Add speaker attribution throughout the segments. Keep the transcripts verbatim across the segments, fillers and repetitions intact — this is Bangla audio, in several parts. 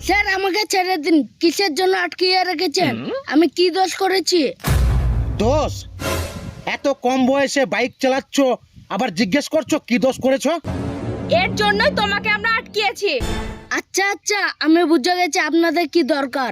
Speaker 1: স্যার আমাকে ছেড়ে দিন। কিসের জন্য আটকিয়ে রেখেছেন? আমি কি দোষ করেছি?
Speaker 2: দোষ? এত কম বয়সে বাইক চালাচ্ছ, আবার জিজ্ঞেস করছো কি দোষ করেছো?
Speaker 3: এর জন্যই তোমাকে আমরা আটকিয়েছি।
Speaker 1: আচ্ছা আচ্ছা, আমি বুঝে গেছি আপনাদের কি দরকার।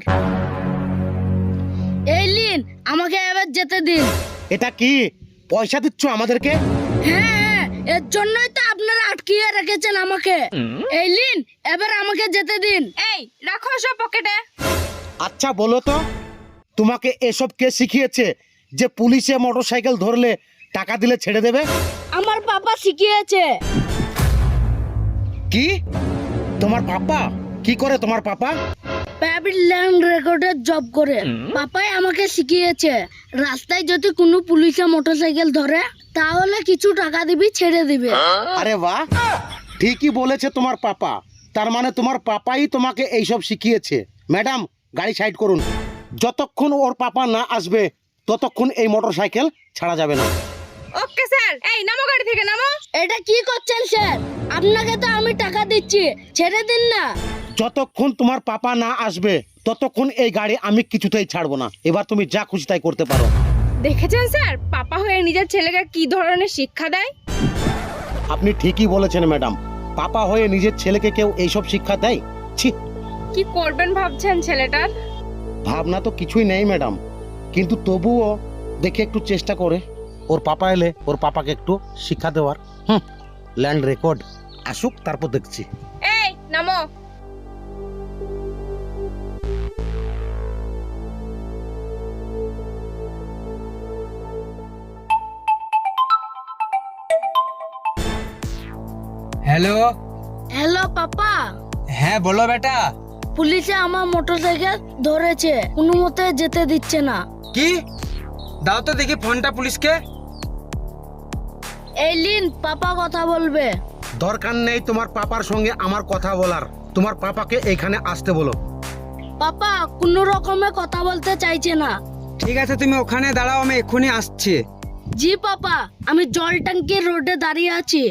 Speaker 1: এই লিন, আমাকে এবার যেতে দিন।
Speaker 2: এটা কি পয়সা দিচ্ছ আমাদেরকে?
Speaker 1: হ্যাঁ হ্যাঁ, এর জন্যই তো আপনারা আটকিয়ে রেখেছেন আমাকে। এই লিন, এবার আমাকে যেতে দিন।
Speaker 3: এই রাখো সব পকেটে।
Speaker 2: আচ্ছা বলো তো, তোমাকে এসব কে শিখিয়েছে যে পুলিশে মোটরসাইকেল ধরলে টাকা দিলে ছেড়ে দেবে?
Speaker 1: আমার পাপা শিখিয়েছে।
Speaker 2: কি? তোমার পাপা? কি করে তোমার পাপা?
Speaker 1: প্রাইভেট ল্যান্ড রেকর্ডের জব করে। পাপাই আমাকে শিখিয়েছে রাস্তায় যদি কোনো পুলিশে মোটরসাইকেল ধরে তাহলে কিছু টাকা দিবি, ছেড়ে দিবে।
Speaker 2: আরে বাহ, ঠিকই বলেছে তোমার পাপা। তার মানে তোমার পাপাই তোমাকে এইসব শিখিয়েছে। ম্যাডাম, গাড়ি সাইড করুন। যতক্ষণ ওর পাপা না আসবে ততক্ষণ এই মোটরসাইকেল ছাড়া যাবে না।
Speaker 3: ওকে স্যার, এই নামো গাড়ি থেকে, নামো।
Speaker 1: এটা কি করছেন স্যার? আপনাকে তো আমি টাকা দিচ্ছি, ছেড়ে দিন না।
Speaker 2: যতক্ষণ তোমার পাপা না আসবে ততক্ষণ এই গাড়ি আমি কিছুতেই ছাড়বো না। এবার তুমি যা খুশি তাই করতে পারো।
Speaker 3: দেখেছেন স্যার, পাপা হয়ে নিজের ছেলেকে কি ধরনের শিক্ষা দেয়।
Speaker 2: আপনি ঠিকই বলেছেন ম্যাডাম, পাপা হয়ে নিজের ছেলেকে কেউ এইসব শিক্ষা দেয়? ছি!
Speaker 3: কি করবেন ভাবছেন ছেলেটার?
Speaker 2: ভাবনা তো কিছুই নেই ম্যাডাম, কিন্তু তবুও দেখে একটু চেষ্টা করে ওর পাপা এলে ওর পাপাকে একটু শিক্ষা দেওয়ার। হুম, ল্যান্ড রেকর্ড আসুক, তারপর দেখছি।
Speaker 3: এই নামো।
Speaker 4: হ্যালো।
Speaker 1: Hello papa.
Speaker 4: হ্যাঁ বলো বেটা।
Speaker 1: পুলিশে আমার মোটরসাইকেল ধরেছে, কোনো মতে যেতে দিচ্ছে না।
Speaker 4: কি? দাও তো দেখি ফোনটা পুলিশকে।
Speaker 1: এই লিন, পাপা কথা বলবে।
Speaker 2: দরকার নেই তোমার পাপার সঙ্গে আমার কথা বলার। তোমার পাপাকে এখানে আসতে বলো।
Speaker 1: পাপা কোনো রকমে কথা বলতে চাইছে না।
Speaker 4: ঠিক আছে, তুমি ওখানে দাঁড়াও, আমি এক্ষুনি আসছি।
Speaker 1: জি পাপা, আমি জল ট্যাঙ্কির রোডে দাঁড়িয়ে আছি।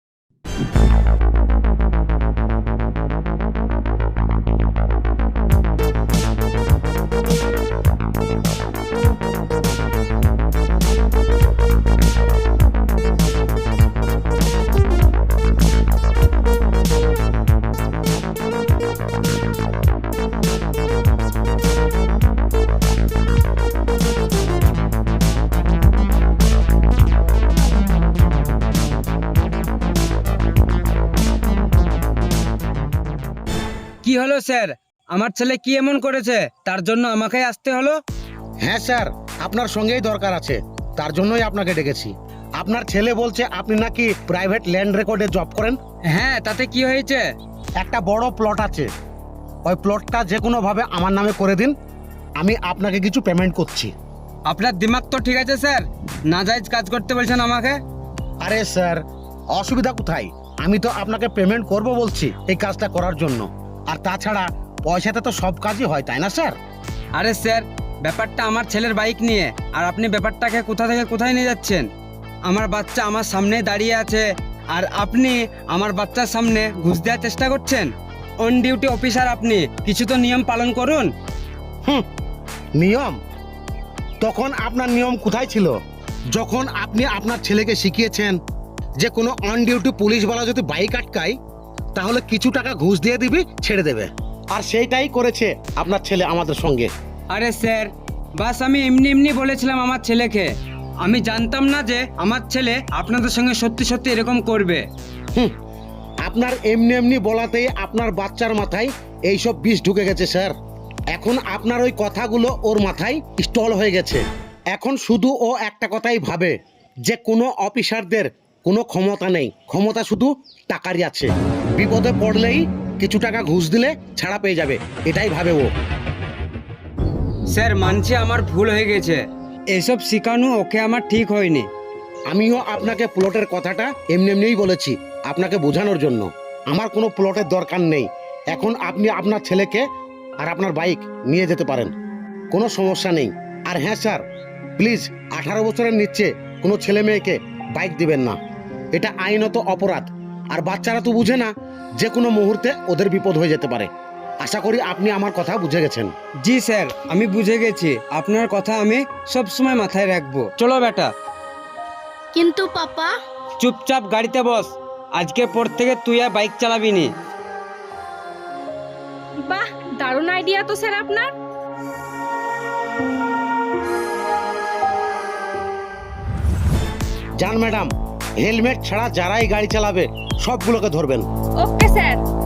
Speaker 4: কি হলো স্যার? আমার ছেলে কি এমন করেছে তার জন্য আমাকে আসতে হলো?
Speaker 2: হ্যাঁ স্যার, আপনার সঙ্গেই দরকার আছে, তার জন্যই আপনাকে ডেকেছি। আপনার ছেলে বলছে আপনি নাকি প্রাইভেট ল্যান্ড রেকর্ডে জব করেন।
Speaker 4: হ্যাঁ, তাতে কি হয়েছে?
Speaker 2: একটা বড় প্লট আছে, ওই প্লটটা যে কোনো ভাবে আমার নামে করে দিন, আমি আপনাকে কিছু পেমেন্ট করছি।
Speaker 4: আপনার দিমাগ তো ঠিক আছে স্যার? নাজায়েজ কাজ করতে বলছেন আমাকে?
Speaker 2: আরে স্যার, অসুবিধা কোথায়? আমি তো আপনাকে পেমেন্ট করব বলছি এই কাজটা করার জন্য। আর তাছাড়া পয়সাতে তো সব কাজই হয়, তাই না স্যার?
Speaker 4: আরে স্যার, ব্যাপারটা আমার ছেলের বাইক নিয়ে, আর আপনি ব্যাপারটাকে কোথা থেকে কোথায় নিয়ে যাচ্ছেন? আমার বাচ্চা আমার সামনে দাঁড়িয়ে আছে আর আপনি আমার বাচ্চার সামনে ঘুষ দেওয়ার চেষ্টা করছেন। অন ডিউটি অফিসার আপনি, কিছু তো নিয়ম পালন করুন।
Speaker 2: হুম, নিয়ম? তখন আপনার নিয়ম কোথায় ছিল যখন আপনি আপনার ছেলেকে শিখিয়েছেন যে কোনো অন ডিউটি পুলিশওয়ালা যদি বাইক আটকায় তাহলে কিছু টাকা ঘুষ দিয়ে দিবি, ছেড়ে দেবে। আর সেইটাই করেছে আপনার ছেলে আমাদের সঙ্গে।
Speaker 4: আরে স্যার, বাস আমি এমনি এমনি বলেছিলাম আমার ছেলেকে। আমি জানতাম না যে আমার ছেলে আপনাদের সঙ্গে সত্যি সত্যি এরকম করবে।
Speaker 2: হুম, আপনার এমনি এমনি বলাতেই আপনার বাচ্চার মাথায় এইসব বিষ ঢুকে গেছে স্যার। এখন আপনার ওই কথাগুলো ওর মাথায় স্টল হয়ে গেছে। এখন শুধু ও একটা কথাই ভাবে যে কোনো অফিসারদের কোনো ক্ষমতা নেই, ক্ষমতা শুধু টাকারই আছে। বিপদে পড়লেই কিছু টাকা ঘুষ দিলে ছাড়া পেয়ে যাবে, এটাই ভাবে ও।
Speaker 4: স্যার মানছি আমার ভুল হয়ে গেছে, এসব শেখানো ওকে আমার ঠিক হয়নি।
Speaker 2: আমিও আপনাকে প্লটের কথাটা এমনি এমনিই বলেছি আপনাকে বোঝানোর জন্য। আমার কোনো প্লটের দরকার নেই। এখন আপনি আপনার ছেলেকে আর আপনার বাইক নিয়ে যেতে পারেন, কোনো সমস্যা নেই। আর হ্যাঁ স্যার, প্লিজ আঠারো বছরের নিচে কোনো ছেলে মেয়েকে বাইক দিবেন না, এটা আইনত অপরাধ। আর বাচ্চারা তো বুঝে না, যে কোনো মুহূর্তে ওদের বিপদ হয়ে যেতে পারে। আশা করি আপনি আমার কথা বুঝে গেছেন।
Speaker 4: জি স্যার, আমি বুঝে গেছি, আপনার কথা আমি সব সময় মাথায় রাখবো। চলো বেটা,
Speaker 1: কিন্তু পাপা,
Speaker 4: চুপচাপ গাড়িতে বস। আজকে পর থেকে তুই আর বাইক চালাবি নি।
Speaker 3: বাহ, দারুণ আইডিয়া তো স্যার আপনার।
Speaker 2: যান ম্যাডাম, হেলমেট ছাড়া যারাই গাড়ি চালাবে সবগুলোকে ধরবেন।
Speaker 3: Okay sir.